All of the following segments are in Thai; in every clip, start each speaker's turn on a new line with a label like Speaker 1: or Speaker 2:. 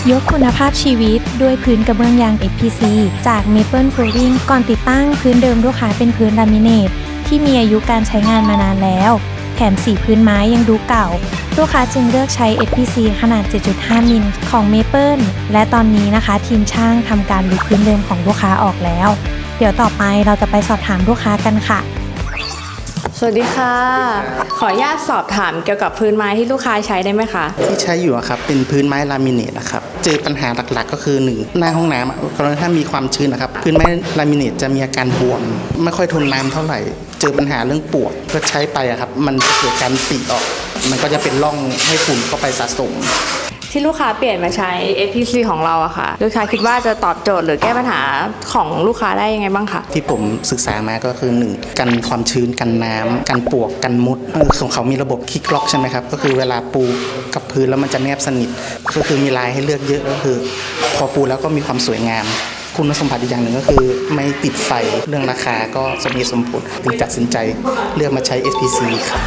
Speaker 1: ยกคุณภาพชีวิตด้วยพื้นกระเบื้องยาง FPC จาก Maple Flooring ก่อนติดตั้งพื้นเดิมลูกค้าเป็นพื้นลามิเนตที่มีอายุการใช้งานมานานแล้วแถมสีพื้นไม้ยังดูเก่าลูกค้าจึงเลือกใช้ FPC ขนาด 7.5 มิลของ Maple และตอนนี้นะคะทีมช่างทำการรื้อพื้นเดิมของลูกค้าออกแล้วเดี๋ยวต่อไปเราจะไปสอบถามลูกค้ากันค่ะ
Speaker 2: สวัสดีค่ะขออนุญาตสอบถามเกี่ยวกับพื้นไม้ที่ลูกค้าใช้ได้ไหมคะ
Speaker 3: ที่ใช้อยู่ครับเป็นพื้นไม้ลามิเนตนะครับเจอปัญหาหลักๆก็คือ1หน้าห้องน้ำกรณีถ้ามีความชื้นนะครับพื้นไม้ลามิเนตจะมีอาการบวมไม่ค่อยทนน้ำเท่าไหร่เจอปัญหาเรื่องปวกก็ใช้ไปครับมันจะเกิดการปีออกมันก็จะเป็นร่องให้ฝุ่นเข้าไปสะสม
Speaker 2: ที่ลูกค้าเปลี่ยนมาใช้ FPC ของเราอะค่ะลูกค้าคิดว่าจะตอบโจทย์หรือแก้ปัญหาของลูกค้าได้ยังไงบ้างคะ
Speaker 3: ที่ผมศึกษามาก็คือ1กันความชื้นกันน้ำกันปวกกันมดของเขามีระบบคลิกล็อกใช่ไหมครับก็คือเวลาปูกับพื้นแล้วมันจะแนบสนิทก็คือมีลายให้เลือกเยอะก็คือพอปูแล้วก็มีความสวยงามคุณสมบัติอีกอย่างหนึ่งก็คือไม่ติดไฟเรื่องราคาก็สมเหตุสมผลจึงตัดสินใจเลือกมาใช้ FPC ครับ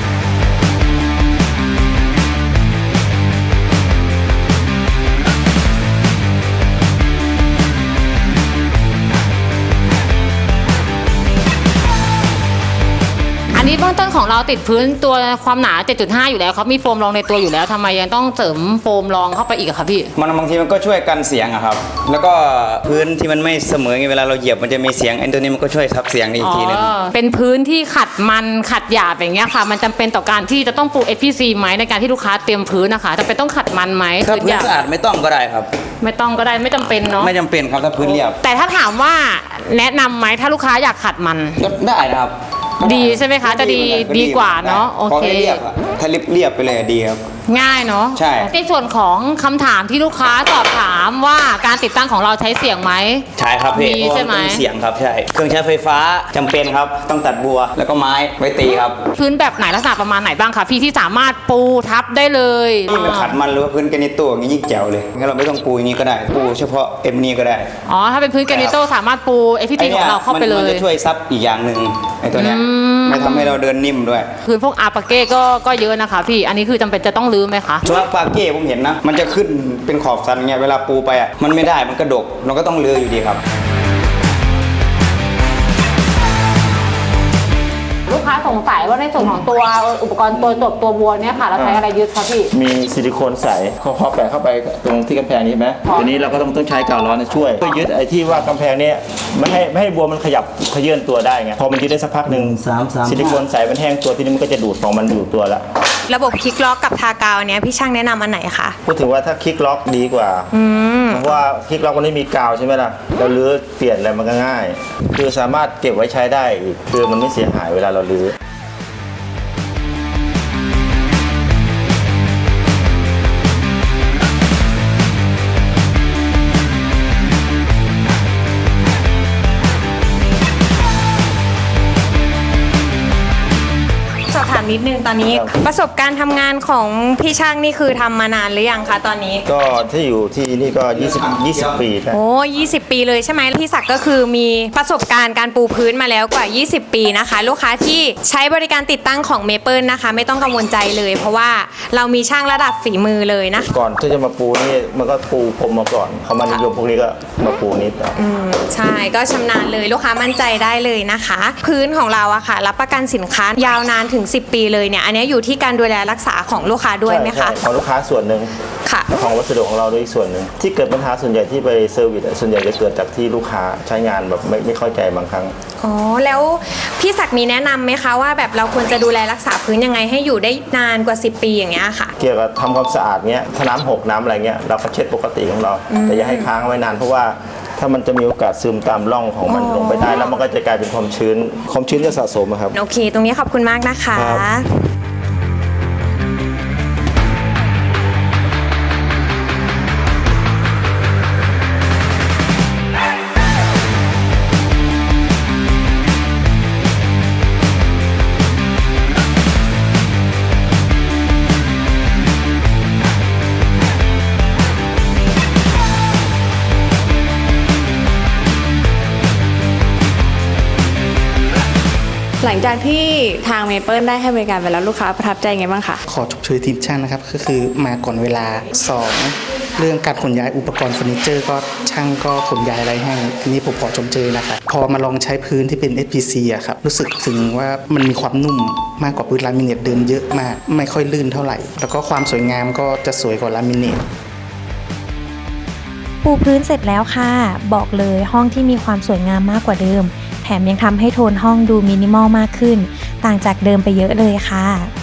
Speaker 4: อันนี้เบื้องต้นของเราติดพื้นตัวความหนา 7.5 อยู่แล้วครับมีโฟมรองในตัวอยู่แล้วทำไมยังต้องเสริมโฟมรองเข้าไปอีกครับพี่
Speaker 5: มันบางทีมันก็ช่วยกันเสียงอะครับแล้วก็พื้นที่มันไม่เสมอไงเวลาเราเหยียบมันจะมีเสียงไอ้ตัวนี้มันก็ช่วยทับเสียงอีกทีนึง
Speaker 4: เป็นพื้นที่ขัดมันขัดหยาบอย่างเงี้ยค่ะมันจำเป็นต่อการที่จะต้องปู FPC ไหมในการที่ลูกค้าเตรียมพื้นนะคะจำเป็นต้องขัดมันไหม
Speaker 5: ถ้าพื้นสะอาดไม่ต้องก็ได้ครับ
Speaker 4: ไม่ต้องก็ได้ไม่จำเป็นเนาะ
Speaker 5: ไม่จำเป็นครับถ้าพื้นเรียบ
Speaker 4: แต่ถ้าถามว่าแนะนำไหมถ้าลูกค้าอยากขัดมัน
Speaker 5: ก็ได้นะครับ
Speaker 4: ดีใช่ไหมคะจะดีกว่าเนาะโอเค
Speaker 5: ถ้าเรียบไปเลยดีครับ
Speaker 4: ง่ายเนาะ
Speaker 5: ใช่
Speaker 4: ในส่วนของคำถามที่ลูกค้าสอบถามว่าการติดตั้งของเราใช้เสียงไหม
Speaker 5: ใช่ครับ
Speaker 4: มีใช่ไหม
Speaker 5: เสียงครับใช่เครื่องใช้ไฟฟ้าจำเป็นครับต้องตัดบัวแล้วก็ไม้ไว้ตีครับ
Speaker 4: พื้นแบบไหนลักษณะประมาณไหนบ้างคะพี่ที่สามารถปูทับได้เลย
Speaker 5: นี่มันขัดมันหรือว่าพื้นแกรนิโต้อย่างนี้ยิ่งแจ๋วเลยงั้นเราไม่ต้องปูอย่างนี้ก็ได้ปูเฉพาะเอ็มนี้ก็ได้
Speaker 4: อ๋อถ้าเป็นพื้นแกรนิโต้สามารถปูFPCของเราเข้าไปเลย
Speaker 5: มันจะช่วยซับอีกอย่างหนึ่งไอ้ตัวเนี้ยไม่ทำให้เราเดินนิ่มด้วย
Speaker 4: พื้นพวกอาปาเก้ก็เยอะนะคะพี่อันนี้คือจำเป็นจะต้องรื้อไหมคะ
Speaker 5: ส่วนปาเก้ผมเห็นนะมันจะขึ้นเป็นขอบสันเงี้ยเวลาปูไปอ่ะมันไม่ได้มันกระดกเราก็ต้องรื้ออยู่ดีครับ
Speaker 4: ลูกค้าสงสัยว่าในส่วนของตัวอุปกรณ์ตัวจบตัวบัวเนี่ยค่ะเราใช้อะไรยึดคะพี่
Speaker 6: มีซิลิโคนใสพอแปะเข้าไปตรงที่กำแพงนี้ไหมทีนี้เราก็ต้องใช้กาวร้อนช่วยเพื่อยึดไอ้ที่ว่ากำแพงนี้ไม่ให้บัวมันขยับเขยื่นตัวได้ไงพอมันยึดได้สักพักหนึ่งซิลิโคนใสมันแห้งตัวทีนี้มันก็จะดูดของมันอยู่ตัวละ
Speaker 1: ระบบคลิกล็อกกับทากาวเนี้ยพี่ช่างแนะนำอันไหนคะ
Speaker 6: พูดถึงว่าถ้าคลิกล็อกดีกว่าเพราะว่าคลิกล็อกมันไม่มีกาวใช่ไหมล่ะเราลื้อเปลี่ยนอะไรมันก็ง่ายคือสามารถเก็บไว้ใช้ได้อีกคือมันไม่เสียหายเวลาเราลื้อ
Speaker 1: นิดนึงตอนนี้ประสบการณ์ทำงานของพี่ช่างนี่คือทำมานานหรือยังคะตอนนี้
Speaker 6: ก็ที่อยู่ที่นี่ก็20 ปี
Speaker 1: โอ้20 ปีเลยใช่ไหมพี่ศักดิ์ก็คือมีประสบการณ์การปูพื้นมาแล้วกว่า20 ปีนะคะลูกค้าที่ใช้บริการติดตั้งของเมเปิลนะคะไม่ต้องกังวลใจเลยเพราะว่าเรามีช่างระดับฝีมือเลยนะ
Speaker 6: ก่อนที่จะมาปูนี่มันก็ปูพรมมาก่อนเขามานิยมพวกนี้ก็มาปูนิด
Speaker 1: ใช่ก็ชำนาญเลยลูกค้ามั่นใจได้เลยนะคะพื้นของเราอะค่ะรับประกันสินค้ายาวนานถึง10 ปีเลยเนี่ยอันนี้อยู่ที่การดูแลรักษาของลูกค้าด้วยไหมคะ
Speaker 6: ของลูกค้าส่วนหนึ่ง
Speaker 1: ค่ะ
Speaker 6: ของวัสดุของเราด้วยส่วนหนึ่งที่เกิดปัญหาส่วนใหญ่ที่ไปเซอร์วิสส่วนใหญ่จะเกิดจากที่ลูกค้าใช้งานแบบไม่เข้าใจบางครั้ง
Speaker 1: อ๋อแล้วพี่ศักดิ์มีแนะนำไหมคะว่าแบบเราควรจะดูแลรักษาพื้นยังไงให้อยู่ได้นานกว่า10 ปีอย่างเงี้ยค่ะ
Speaker 6: เกี่ยวกับทำความสะอาดเงี้ยถ้าน้ำหกน้ำอะไรเงี้ยเราก็เช็ดปกติของเราแต่อย่าให้ค้างไว้นานเพราะว่าถ้ามันจะมีโอกาสซึมตามร่องของมันลงไปได้แล้วมันก็จะกลายเป็นความชื้นจะสะสมครับ
Speaker 1: โอเคตรงนี้ขอบคุณมากนะคะ
Speaker 2: หลังจากที่ทางเมเปิลได้ให้บริการไปแล้วลูกค้าประทับใจไงบ้างคะ
Speaker 3: ขอชมเชยทีมช่างนะครับก็คือมาก่อนเวลา2เรื่องการขนย้ายอุปกรณ์เฟอร์นิเจอร์ก็ช่างก็ขนย้ายอะไรให้ทีนี้ผมขอชมเชยนะครับพอมาลองใช้พื้นที่เป็น SPC อะครับรู้สึกถึงว่ามันมีความนุ่มมากกว่าพื้นลามิเนตเดิมเยอะมากไม่ค่อยลื่นเท่าไหร่แล้วก็ความสวยงามก็จะสวยกว่าลามิเนต
Speaker 1: ปูพื้นเสร็จแล้วค่ะ บอกเลยห้องที่มีความสวยงามมากกว่าเดิม แถมยังทำให้โทนห้องดูมินิมอลมากขึ้น ต่างจากเดิมไปเยอะเลยค่ะ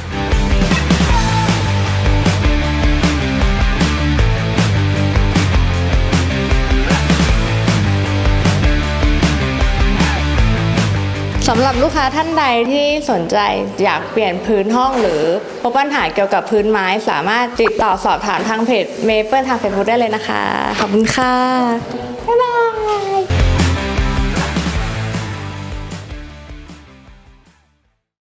Speaker 2: สำหรับลูกค้าท่านใดที่สนใจอยากเปลี่ยนพื้นห้องหรือพบปัญหาเกี่ยวกับพื้นไม้สามารถติดต่อสอบถามทางเพจ Maple ทาง Facebook ได้เลยนะคะ ขอบคุณค่ะ บ๊ายบาย